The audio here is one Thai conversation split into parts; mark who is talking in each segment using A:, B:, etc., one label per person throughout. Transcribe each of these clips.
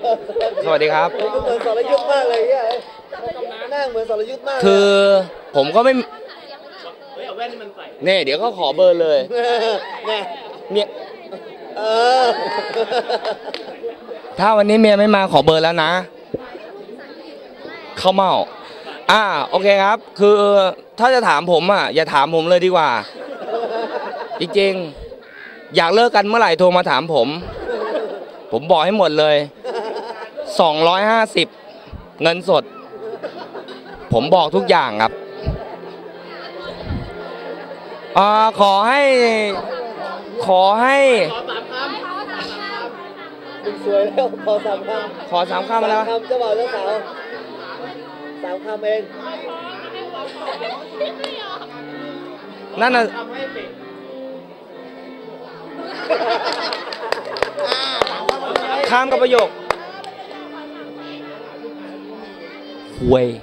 A: สวัสดีครับ
B: เหมือนสรยุทธ์มากเลยเนี่ยหน้าเหมือนสรยุทธ์มาก
A: คือผมก็ไม่เนี่ยเดี๋ยวก็ขอเบอร์เลยเมียถ้าวันนี้เมียไม่มาขอเบอร์แล้วนะเข้าเมาโอเคครับคือถ้าจะถามผมอย่าถามผมเลยดีกว่าจริงๆอยากเลิกกันเมื่อไหร่โทรมาถามผมบอกให้หมดเลย250เงินสดผมบอกทุกอย่างครับขอให้
B: สวยแล้วขอ3 คำแล้วเจ้าบ่าวเจ้าสาว3 คำเอง
A: นั่นน่ะข้ามกับประโยคห่วย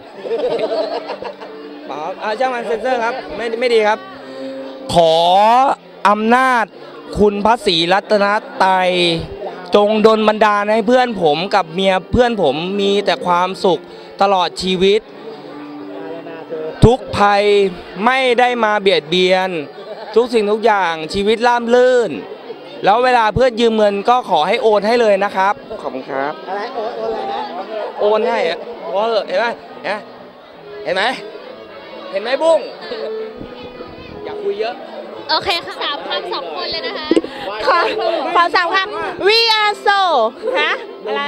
A: ช่างมันเซ็นเซอร์ครับไม่ดีครับขออำนาจคุณพระศรีรัตนตรัยจงดลบันดาลให้เพื่อนผมกับเมียเพื่อนผมมีแต่ความสุขตลอดชีวิตทุกภัยไม่ได้มาเบียดเบียนทุกสิ่งทุกอย่างชีวิตราบรื่นแล้วเวลาเพื่อนยืมเงินก็ขอให้โอนให้เลยนะครับขอบคุณครับ
B: อะไรโอนอะไรนะ
A: โอนให้เห็นไหมเห็นไหมบุ้งอยากคุยเยอะ
C: โอเคค่ะ3 คำ 2 คนเลยนะคะ
D: ขอ3 คำ we are so ฮะอะไร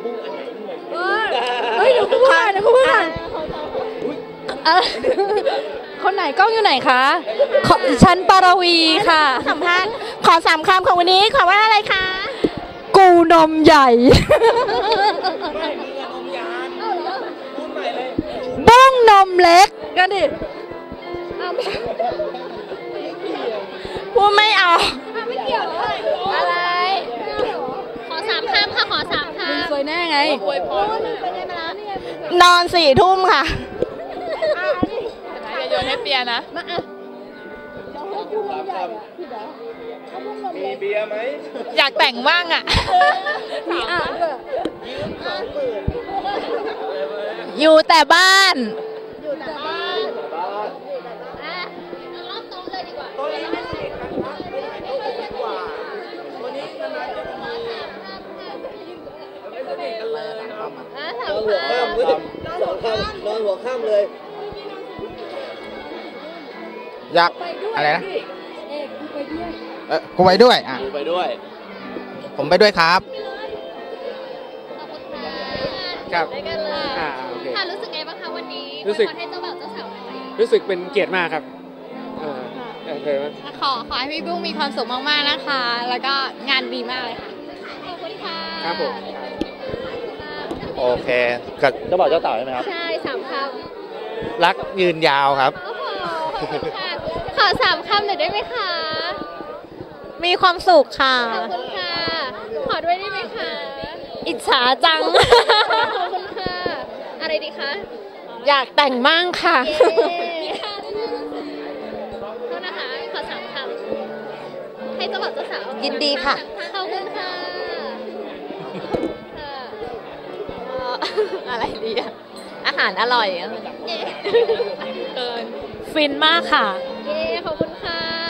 D: เฮ้ยเดี๋ยวพูดก่อนคนไหนกล้องอยู่ไหนคะฉันปารวีค่ะสัมภาษณ์ขอ3 คำของวันนี้ขอว่าอะไรคะกูนมใหญ่บุ้งนมเล็กกันดิพูดไม่เอา
C: ไม่เกี่ยวอะไรขอ3 คำค่ะขอ3 คำ
D: สวยแน่ไง
C: อวยพร
D: นอน4 ทุ่มค่ะ
C: อย่าโยนให้เปียนะ
B: มีเบียร์ไหม
C: อยากแต่งบ้าง
D: มีอยู่แต่บ้าน
C: รอบโต๊ะเลยดีกว่า
B: นอนหัวค่ำเลย
E: อยากอะไรนะกูไปด้วย
A: ไปด้วย
E: ผมไปด้วยครับ
C: ครับโอเคค่ะรู้สึกไงบ้างคะวันนี้รู้สึกให้เจ้าบ่าวเจ้าสาว
F: รู้สึกเป็นเกียรติมากครับ
C: ขอให้พี่บุ้งมีความสุขมากๆนะคะแล้วก็งานดีมากเลยค่ะขอบคุณค่ะ
F: ครับผม
E: โอเคกับเจ้าบ่าวเจ้าสาวใช่ไหมครับ
C: ใช่3 ค
E: ำรักยืนยาวครับ
C: ขอ3 คำหน่อยได้ไหมคะ
D: มีความสุขค่ะ
C: ขอบคุณค่ะขอด้วยได้ไหมคะ
D: อิจฉาจัง
C: ขอบคุณค่ะอะไรดีคะ
D: อยากแต่งมั่งค่ะ
C: มีค่ะโทษนะคะขอ3 คำให้เจ้าบ่าวเจ้าสาว
D: ยินดีค่ะ
C: ขอบคุณค่ะ
D: อะไรดีอาหารอร่อยเกินฟินมากค่ะ